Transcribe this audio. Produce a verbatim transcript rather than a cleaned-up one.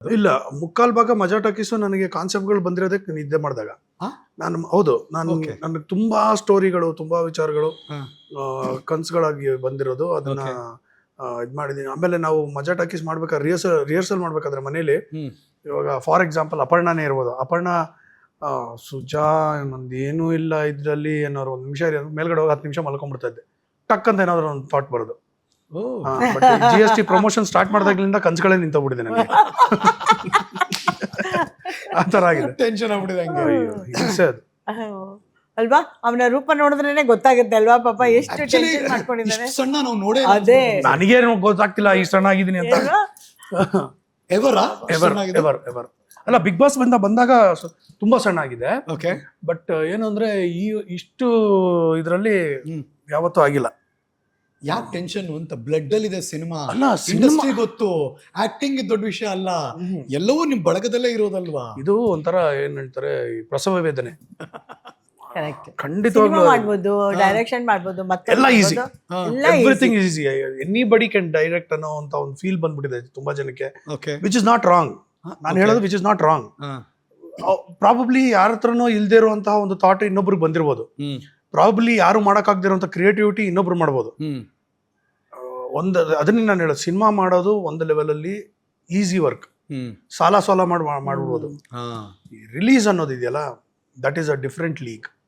ಇಲ್ಲ, ಮುಕ್ಕಾಲ್ ಭಾಗ ಮಜಾ ಟಾಕೀಸು ನನಗೆ ಕಾನ್ಸೆಪ್ಟ್ಗಳು ಬಂದಿರೋದಕ್ಕೆ ನಿದ್ದೆ ಮಾಡಿದಾಗ. ಹಾ? ನಾನು ಹೌದು, ನಾನು Okay. ನನಗೆ ತುಂಬಾ ಸ್ಟೋರಿಗಳು, ತುಂಬಾ ವಿಚಾರಗಳು ಹಾ. ಆ, ಕನ್ಸುಗಳಾಗಿ ಬಂದಿರೋದು. ಅದನ್ನ Okay. ಇದು ಮಾಡಿದ್ದೀನಿ. ಆಮೇಲೆ ನಾವು ಮಜಾ ಟಾಕೀಸ್ ಮಾಡ್ಬೇಕಾದ್ರೆ ರಿಹರ್ಸಲ್ ರಿಹರ್ಸಲ್ ಮಾಡ್ಬೇಕಾದ್ರೆ ಮನೇಲಿ, ಹ್ಮ್ ಇವಾಗ ಫಾರ್ ಎಕ್ಸಾಂಪಲ್ ಅಪರ್ಣನೇ ಇರ್ಬೋದು. ಅಪರ್ಣ ಆ, ಸುಜಾ ನಂದು ಏನೂ ಇಲ್ಲ ಇದರಲ್ಲಿ ಏನಾದ್ರು ಒಂದು ನಿಮಿಷ ಮೇಲ್ಗಡೆ ಹೋಗಿ ಹತ್ತು ನಿಮಿಷ ಮಲ್ಕೊಂಡ್ಬಿಡ್ತಾ ಇದ್ದೆ. ಟಕ್ ಅಂತ ಏನಾದ್ರು ಒಂದು ಥಾಟ್ ಬರೋದು. Oh but G S T promotion start ಮಾಡಿದಾಗ್ಲಿಂದ ಕನ್ಸುಗಳೇ ನಿಂತೋಗ್ಬಿಟ್ಟಿದೆ ನನಗೆ. ಆ ಥರ ಆಗಿದೆ. ಟೆನ್ಷನ್ ಆಗ್ಬಿಟ್ಟಿದೆ ಹಂಗೆ. ಅಯ್ಯೋ, ಹಿಂಸೆ ಅದು. ಅಲ್ವಾ, ಅವನ ರೂಪ ನೋಡಿದ್ರೇನೆ ಗೊತ್ತಾಗುತ್ತೆ ಅಲ್ವಾ ಪಾಪ ಎಷ್ಟು Actually, ಟೆನ್ಷನ್ ಮಾಡ್ಕೊಂಡಿದ್ದಾನೆ. ಇಷ್ಟ್ ಸಣ್ಣ ನಾವು ನೋಡೇ ಅದೇ. ನನಗೇನು ಗೊತ್ತಾಗ್ತಿಲ್ಲ ಇಷ್ಟು ಸಣ್ಣ ಆಗಿದ್ದೀನಿ ಅಂತ. ಅಲ್ವಾ? ಎವರಾ ಎವರ್ ಎವರ್ ಎವರ್ ಅಲ್ಲ, ಬಿಗ್ ಬಾಸ್ ಬಂದ ಬಂದಾಗ ಸ- ತುಂಬಾ ಸಣ್ಣ ಆಗಿದೆ. ಓಕೆ. ಬಟ್ ಏನು ಅಂದ್ರೆ ಈ ಇಷ್ಟು ಇದರಲ್ಲಿ ಹ್ಮ್ ಯಾವತ್ತೂ ಆಗಿಲ್ಲ. ಯಾಕೆ ಟೆನ್ಷನ್ ಅಂತ? ಬ್ಲಡ್ ಅಲ್ಲಿ ಇದೆ ಸಿನಿಮಾ, ಅಲ್ಲ, cinema- ಇಂಡಸ್ಟ್ರಿ ಗೊತ್ತು, ಆಕ್ಟಿಂಗ್ ದೊಡ್ಡ ವಿಷಯ ಅಲ್ಲ, ಹ್ಮ್. ಎಲ್ಲವೂ ನಿಮ್ ಬಳಗದಲ್ಲೇ ಇರೋದಲ್ವಾ? ಇದು ಒಂಥರ ಏನ್ ಹೇಳ್ತಾರೆ, ಈ ಪ್ರಸವ ವೇದನೆ. Correct. ಖಂಡಿತವಾಗ್ಲೂ ಸಿನಿಮಾ ಮಾಡ್ಬೋದು, ಡೈರೆಕ್ಷನ್ ಮಾಡ್ಬೋದು, ಮತ್ತೆ ಎಲ್ಲ easy. ಹಾ. Everything is easy. Anybody can direct ಅನ್ನೋ ಅಂತ ಒಂದು ಫೀಲ್ ಬಂದ್ಬಿಟ್ಟಿದೆ ತುಂಬಾ ಜನಕ್ಕೆ. Okay. Which is not wrong. ನಾನು Okay. ಹೇಳೋದು which is not wrong. Probably ಯಾರ ಹತ್ರನೋ ಇಲ್ದೇ ಇರುವಂತಹ ಒಂದು ಥಾಟ್ ಇನ್ನೊಬ್ರಿಗೆ ಬಂದಿರ್ಬೋದು. ಹ್ಮ್ ಪ್ರಾಬಬ್ಲಿ ಯಾರು ಮಾಡೋಕ್ಕಾಗದಿರೋಂಥ ಕ್ರಿಯೇಟಿವಿಟಿ ಇನ್ನೊಬ್ರು ಮಾಡ್ಬೋದು. ಹ್ಮ್ ಒಂದು ಅದನ್ನೇ ನಾನು ಹೇಳೋದು, ಸಿನಿಮಾ ಮಾಡೋದು ಒಂದು ಲೆವೆಲಲ್ಲಿ ಈಸಿ ವರ್ಕ್. ಹ್ಮ್ ಸಾಲ ಸಾಲ ಮಾಡಿ ಮಾಡ್ಬಿಡ್ಬೋದು. ಹಾ ರಿಲೀಸ್ ಅನ್ನೋದು ಇದೆಯಲ್ಲ, that is a different league.